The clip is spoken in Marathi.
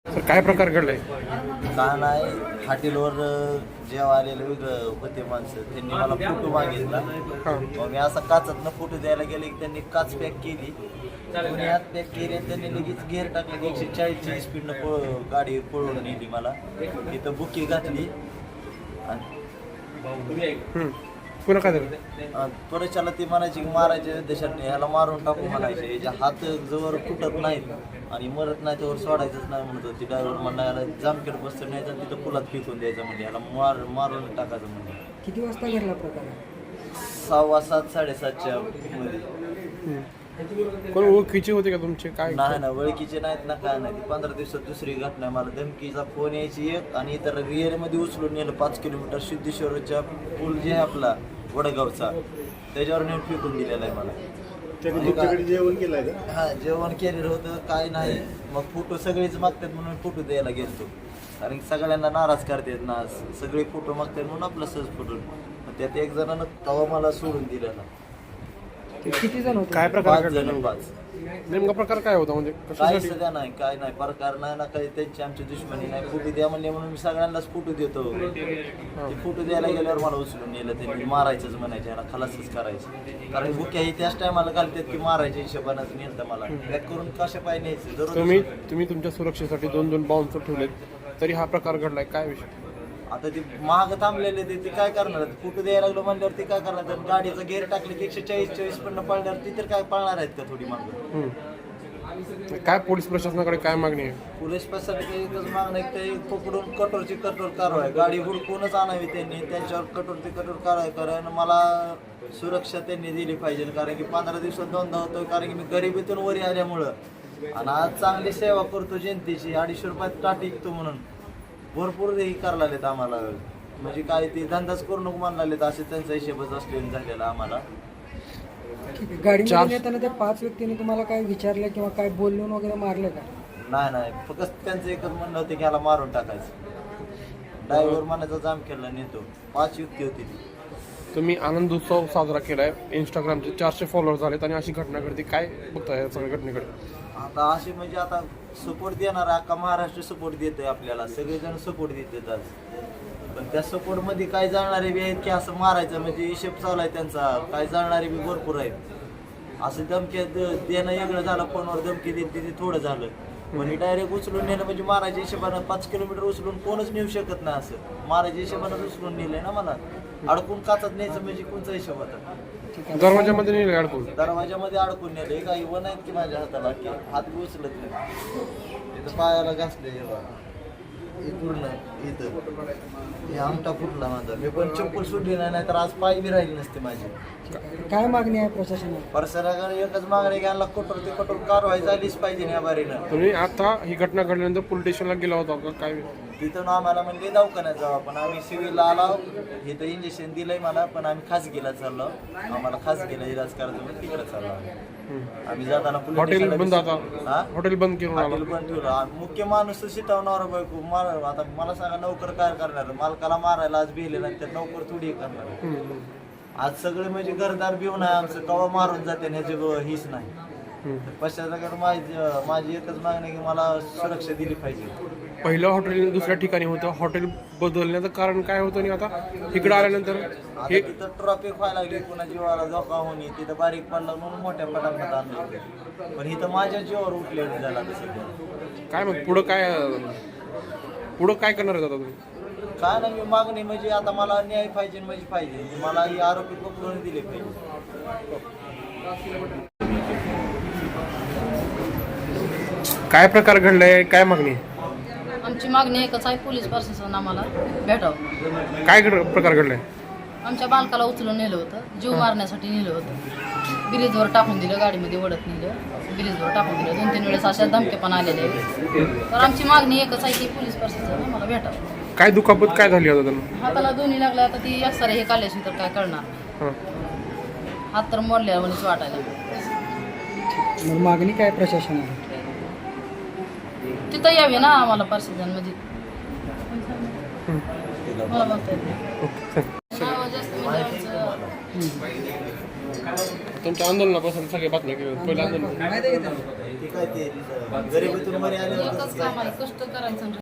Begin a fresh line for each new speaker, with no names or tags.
तर काय प्रकार घडलाय?
का नाही हॉटेलवर जेव्हा आलेले वेगळं होते माणसं त्यांनी मला फोटो मागितला. मग मी असा काचातनं फोटो द्यायला गेले की त्यांनी काच पॅक केली, दोन्ही हात पॅक केले आणि त्यांनी लगेच गेअर टाकले की 140ची स्पीडनं गाडी पळवून नेली. मला इथं बुकी घातली आणि
पुन्हा काय झालं?
त्वरेच्याला ती म्हणायची की मारायचे देशात ह्याला मारून टाकू म्हणायचे, याच्या हात जवळ फुटत नाहीत आणि मरत नाही त्यावर सोडायचंच नाही म्हणत होती. ड्रायव्हर म्हणला याला जामखेड बसतं न्यायचं आणि तिथं पुलात फेकून द्यायचं म्हणजे याला मारून टाकायचं म्हणजे.
किती वाजता घडला प्रकार?
6:15 7:30च्या मध्ये.
कोण ओळखीचे होते का तुमचे? काय
नाही ना, ओळखीचे नाहीत ना, काय नाही. 15 दिवसात दुसरी घटना. मला धमकीचा फोन यायची एक आणि इतर रिअरमध्ये उचलून नेलं 5 किलोमीटर सिद्धेश्वरच्या पूल जे आहे आपला वडगावचा त्याच्यावर नेऊन फेकून दिलेला आहे मला.
जेवण केलंय
हा, जेवण केलेलं होतं काय नाही. मग फोटो सगळेच मागतात म्हणून फोटो द्यायला गेलतो, कारण की सगळ्यांना नाराज करतात ना, सगळे फोटो मागतात म्हणून आपला सहज फोटो. त्यात एक जणांना तवा मला सोडून दिलेला.
किती जण होते?
काय प्रकार
5
घडला?
जण 5.
नेमका प्रकार काय होता म्हणजे
काही
कशासाठी?
सध्या नाही, काय नाही प्रकार नाही ना, काही त्यांची आमची दुश्मनी नाही. फोटो द्या म्हणले म्हणून मी सगळ्यांनाच फोटो देतो. ते फोटो द्यायला गेल्यावर मला उचलून नेलं, त्यांनी मारायचंच म्हणायचे, याला खलासच करायचं. कारण बुक्याही त्याच टायमाला घालतात की मारायच्या हिशोबानंच नेलं मला. बॅक करून कशा पाय न्यायचं दररोज.
तुम्ही तुमच्या सुरक्षेसाठी 2 बाउन्सर ठेवलेत, तरी हा प्रकार घडलाय. काय विषय?
आता ते महाग थांबलेले ते काय करणार? फोटो द्यायला लागलो म्हणल्यावर ते काय करणार? गाडीचं गेअर टाकले की 140 पण पळणार, ती तर काय पळणार आहेत का थोडी मागं?
काय पोलीस प्रशासनाकडे काय मागणी आहे?
पोलीस प्रशासनाची एकच मागणं आहे की ते पकडून कठोरची कठोर कारवाई, गाडी हुडकूनच आणावी त्यांनी, त्यांच्यावर कठोरची कठोर कारवाई कारण मला सुरक्षा त्यांनी दिली पाहिजे. कारण की 15 दिवसात 2दा होतो, कारण की मी गरिबीतून वरी आल्यामुळं आणि आज चांगली सेवा करतो जनतेची. 250 रुपयात टाट विकतो म्हणून भरपूर हे करायला लागलेत आम्हाला. म्हणजे काय ते धंदाच करू नको म्हणायला लागलेत, असे त्यांचा हिशेबच असलेला झालेला आम्हाला.
गाडीमध्ये येताना त्या 5 व्यक्तींनी तुम्हाला काय विचारलं किंवा काय बोलून वगैरे मारलं का?
नाही, फक्त त्यांचं एकच म्हणणं होतं की ह्याला मारून टाकायचं. ड्रायव्हर म्हणायचा जामखेडला नेतो. 5 व्यक्ती होती ती.
तुम्ही आनंद उत्सव साजरा केलाय, इंस्टाग्रामचे 400 फॉलोअर झालेत आणि अशी घटना घडते, काय बघताय या सगळ्या घटनेकडे?
आता असे म्हणजे आता सपोर्ट देणार अख्खा महाराष्ट्र सपोर्ट देतोय आपल्याला, सगळेजण सपोर्ट देतात आज. पण त्या सपोर्टमध्ये काय जाणारे बी आहेत की असं मारायचं म्हणजे हिशेब चालू आहे त्यांचा. काय जाणारे बी भरपूर आहेत. असं धमकी देणं वेगळं झालं, फोनवर धमकी देत ते थोडं झालं. म्हणजे डायरेक्ट उचलून नेलं म्हणजे मारायच्या हिशोबानं 5 किलोमीटर उचलून कोणच नेऊ शकत नाही. असं मारायच्या हिशोबानं उचलून नेलंय ना मला. अडकून काचत न्यायचं म्हणजे कोणचा हिशोब होता?
दरवाजामध्ये नेले अडकून?
दरवाजामध्ये अडकून नेले. काही वन आहेत की माझ्या हाताला की हात बी उचलत नाही. इथं पायाला घासले हे पूर्ण, इथं हे आमटा फुटला माझा. मी पण चप्पल सुटली नाही तर आज पाय बी राहिली नसते माझी.
काय मागणी आहे प्रशासनाला?
प्रशासनाकडे एकच मागणी घ्यायला कठोर ते कठोर कारवाई झालीच पाहिजे या बारीनं.
तुम्ही आता ही घटना घडल्यानंतर पोलीस स्टेशनला गेला होता का? काय
तिथून आम्हाला म्हणजे दवाखान्यात जाऊ, पण आम्ही सिव्हिलला आलो. इथं इंजेक्शन दिलंय मला, पण आम्ही खासगीला चाललो. आम्हाला खासगीला इलाज करायचं म्हणून तिकडे चाललो आम्ही. जाताना
हॉटेल बंद, आता हॉटेल बंद केलं.
हॉटेल बंद ठेवलं. मुख्य माणूस शिटवणार बायको मार. आता मला सांगा नोकर काय करणार? मालकाला मारायला आज भिले नाही तर नोकर थोडी करणार. आज सगळे म्हणजे घरदार भिवून आहे आमचं, कवा मारून जाते ह्याची हीच नाही. पश्चात माझी एकच मागणी आहे की मला सुरक्षा दिली पाहिजे.
पहिलं हॉटेल दुसऱ्या ठिकाणी होतं, हॉटेल बदलण्याचं कारण काय होतं आणि आता इकडे आल्यानंतर
हे तिथं ट्रॉफिक व्हायला लागली, पुन्हा जीवाला धोका होणे, तिथं बारीक पडला म्हणून मोठ्या पटापट आणलं. पण इथं माझ्या जीवावर उठलेलं झाला तसं.
काय मग पुढं काय करणार आहे आता तुम्ही?
काय नाही, मी मागणी म्हणजे आता मला न्याय पाहिजे म्हणजे पाहिजे. मला ही आरोपी पकडून दिले पाहिजे.
काय प्रकार घडलाय, काय मागणी आहे?
आमची मागणी एकच आहे, पोलीस प्रशासन आम्हाला भेटावं.
काय प्रकार घडलाय?
आमच्या बालकाला उचलून नेलं होतं, जीव मारण्यासाठी नेलं होतं. ब्रिजवर टाकून दिलं, गाडीमध्ये ओढत नेलं, ब्रिजवर टाकून दिलं. 2-3 वेळेस अशा धमके पण आलेले. तर आमची मागणी एकच आहे की पोलीस प्रशासन आम्हाला भेटावं.
काय दुखापत काय झाली आता त्यांना?
हाताला दोन्ही लागल्या. आता ती एक्सरे हे काढल्याशी तर काय करणार? हात तर मोडल्या म्हणून वाटायला.
मग मागणी काय प्रशासनाला?
तिथं यावे ना आम्हाला प्रशासन मध्ये. मला म्हणता येत नाही. जास्त म्हणजे आमचं
तुमच्या आंदोलनापासून सगळे बातम्या केल्या. पहिलं आंदोलन
ते काय ते गरिबीतून वर आल्यावर
एकच काम आहे, कष्ट करायचं आणि